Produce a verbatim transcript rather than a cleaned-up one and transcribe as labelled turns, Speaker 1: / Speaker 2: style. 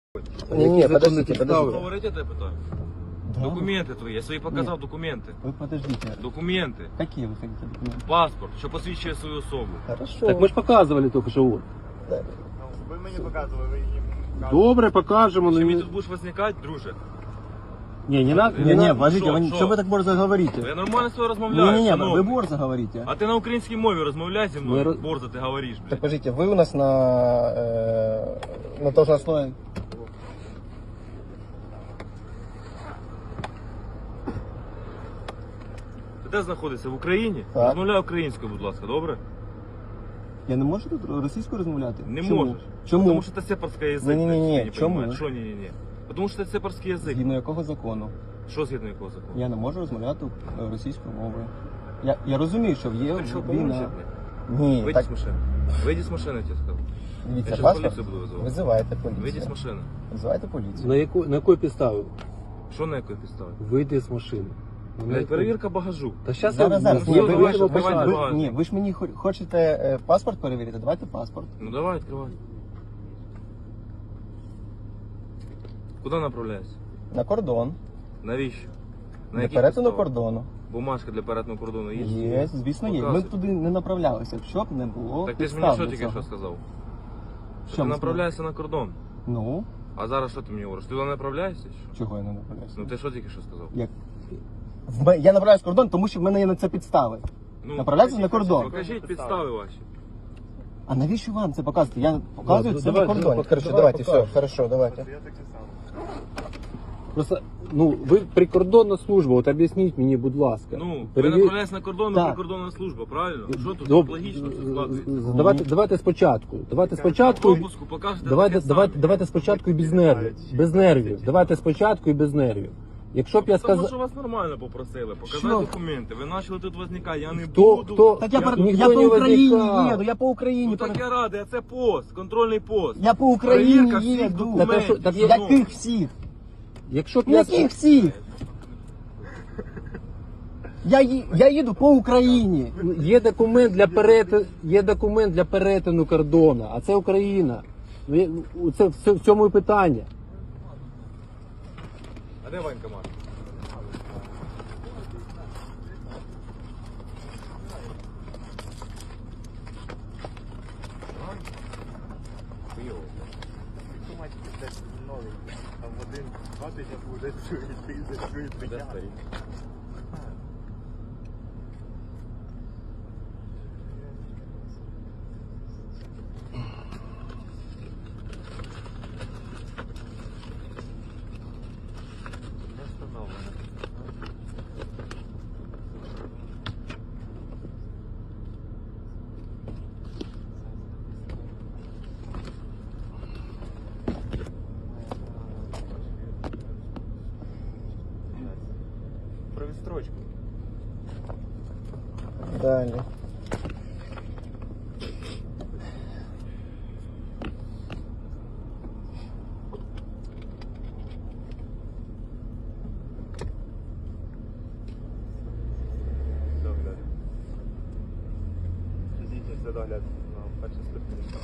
Speaker 1: Не, не, подождите,
Speaker 2: Что
Speaker 1: подождите.
Speaker 2: говорить, это я пытаюсь?
Speaker 1: Да.
Speaker 2: Документы твои, я свои показал
Speaker 1: Нет.
Speaker 2: документы.
Speaker 1: Вы подождите.
Speaker 2: Документи.
Speaker 1: Какие вы хотите документы?
Speaker 2: Паспорт, що посвідчує свою особу.
Speaker 1: Хорошо.
Speaker 3: Так ми ж показували тільки що. от.
Speaker 1: Да.
Speaker 4: Ви мені показували, ви їм показували.
Speaker 3: Добре, покажемо.
Speaker 2: Чи
Speaker 3: Ну,
Speaker 2: мені
Speaker 3: не...
Speaker 2: тут будеш возникати, друже?
Speaker 3: Ні, не надо.
Speaker 1: Не,
Speaker 3: Не,
Speaker 1: не,
Speaker 3: не,
Speaker 1: подождите,
Speaker 2: Шо,
Speaker 1: вы,
Speaker 2: шо?
Speaker 1: что вы так борзо говорите?
Speaker 2: Я нормально з тобою розмовляю,
Speaker 1: Не, не, не,
Speaker 2: шановний.
Speaker 1: вы борзо говорите.
Speaker 2: А ти на українській мові розмовляй зі
Speaker 3: Ми
Speaker 2: мною,
Speaker 3: роз-
Speaker 2: борзо ти говориш,
Speaker 1: Так,
Speaker 2: блядь.
Speaker 1: подождите, вы у нас на, э, на должностной...
Speaker 2: Ти де знаходишся? В Україні?
Speaker 1: Так.
Speaker 2: Розмовляй українською, будь ласка, добре?
Speaker 1: Я не можу тут російською розмовляти?
Speaker 2: Не
Speaker 1: Чому?
Speaker 2: можеш.
Speaker 1: Чому?
Speaker 2: Тому що це сепарський язик.
Speaker 1: Ні-ні-ні,
Speaker 2: блядь, ти не
Speaker 1: чому?
Speaker 2: понімаєш. Що ні-ні-ні? Тому що це сепарський язик.
Speaker 1: Згідно якого закону?
Speaker 2: Що згідно якого закону?
Speaker 1: Я не можу розмовляти е, російською мовою. Я, я розумію, що є
Speaker 2: Ти що, поможе,
Speaker 1: війна.
Speaker 2: блядь?
Speaker 1: Ні,
Speaker 2: Вийди
Speaker 1: так,
Speaker 2: з машини. Вийди з машини, я тебе сказав. Я
Speaker 1: дивіться,
Speaker 2: щас
Speaker 1: паспорт,
Speaker 2: поліцію буду визивати.
Speaker 1: визивайте
Speaker 2: Вийди з
Speaker 1: поліцію.
Speaker 2: машини.
Speaker 1: Визивайте поліцію.
Speaker 3: На яку на якої підставі?
Speaker 2: Що на якої підставі?
Speaker 3: Вийди з машини. Ну, на
Speaker 2: Блядь,
Speaker 3: яку?
Speaker 2: перевірка багажу.
Speaker 3: Та щас
Speaker 1: Зараз,
Speaker 3: я
Speaker 1: зараз.
Speaker 2: ну,
Speaker 1: Ні,
Speaker 2: ну,
Speaker 1: ви,
Speaker 2: давай,
Speaker 1: ви,
Speaker 2: давай,
Speaker 1: ви,
Speaker 2: давай,
Speaker 1: ви-
Speaker 2: давай.
Speaker 1: ні, ви ж мені хо- хочете е, паспорт перевірити? Давайте паспорт.
Speaker 2: Ну давай, відкривай. Куди направляєшся?
Speaker 1: На кордон.
Speaker 2: Навіщо? На
Speaker 1: Для
Speaker 2: яких
Speaker 1: перетину
Speaker 2: підставах?
Speaker 1: кордону.
Speaker 2: Бумажка для перетину кордону є?
Speaker 1: Є, звісно, є. Ми
Speaker 2: Показуй.
Speaker 1: туди не направлялися, щоб не було.
Speaker 2: Так ти ж
Speaker 1: підстав
Speaker 2: мені що
Speaker 1: для
Speaker 2: тільки
Speaker 1: цього.
Speaker 2: що сказав? Що
Speaker 1: Що
Speaker 2: ти
Speaker 1: ми
Speaker 2: направляєшся на кордон.
Speaker 1: Ну,
Speaker 2: А зараз що ти мені говориш? Ти туди направляєшся? чи що?
Speaker 1: чого я не направляюся?
Speaker 2: Ну ти що тільки що сказав?
Speaker 1: Як? В ме- Я направляюсь кордон, тому що в мене є на це підстави.
Speaker 2: Ну,
Speaker 1: Направляйся на
Speaker 2: покажіть,
Speaker 1: кордон.
Speaker 2: Покажіть підстави ваші.
Speaker 1: А навіщо вам це показувати? Я показую
Speaker 3: Да,
Speaker 1: це
Speaker 3: давай,
Speaker 1: на кордоні.
Speaker 3: давай,
Speaker 1: Короче,
Speaker 3: давай
Speaker 1: давайте, все,
Speaker 3: покажемо.
Speaker 1: хорошо, давайте.
Speaker 4: Я таке саме.
Speaker 3: Просто, ну, ви прикордонна служба, от об'ясніть мені, будь ласка.
Speaker 2: Ну, ви
Speaker 3: Перевір-
Speaker 2: направляєтеся на кордон,
Speaker 1: Так.
Speaker 2: ви прикордонна служба, правильно? Що тут
Speaker 3: Доб-
Speaker 2: логічно це
Speaker 3: з-
Speaker 2: складується?
Speaker 3: з- Давайте, давайте спочатку. Давайте спочатку.
Speaker 2: Пропуску покажете
Speaker 3: Давайте,
Speaker 2: таке
Speaker 3: давайте,
Speaker 2: саме.
Speaker 3: давайте спочатку і без нервів. Без нервів. Давайте спочатку і без нервів. Якщо б я
Speaker 2: Тому що
Speaker 3: сказав.
Speaker 2: вас нормально попросили, показати
Speaker 1: Що?
Speaker 2: документи. Ви почали тут возникати, я не
Speaker 3: Хто-
Speaker 2: буду.
Speaker 3: хто-
Speaker 1: Так я,
Speaker 3: Я-
Speaker 1: по-
Speaker 3: ніхто
Speaker 1: я по
Speaker 3: не
Speaker 1: Україні
Speaker 3: возникав.
Speaker 1: їду, я по Україні.
Speaker 2: Ну так
Speaker 1: пере-
Speaker 2: я радий, а це пост, контрольний пост.
Speaker 1: Я по Україні
Speaker 2: Перевірка всіх
Speaker 1: їду.
Speaker 2: документів.
Speaker 3: Так, а що- так я-
Speaker 1: Яких всіх?
Speaker 3: Якщо б я
Speaker 1: Яких всіх? Я, ї- я їду по Україні.
Speaker 3: Є документ для перетину, є документ для перетину кордону, а це Україна. Ну, є- Це в ц- в цьому і питання.
Speaker 2: А де Ванька Маш?
Speaker 4: Автоматики десь новий. Там один, два тижні буде чують, ти чують
Speaker 2: Де
Speaker 4: притягнути.
Speaker 2: старий?
Speaker 4: Не встановлено. Про відстрочку.
Speaker 1: Далі.
Speaker 4: Догляд. Фізичний догляд на першій ступені.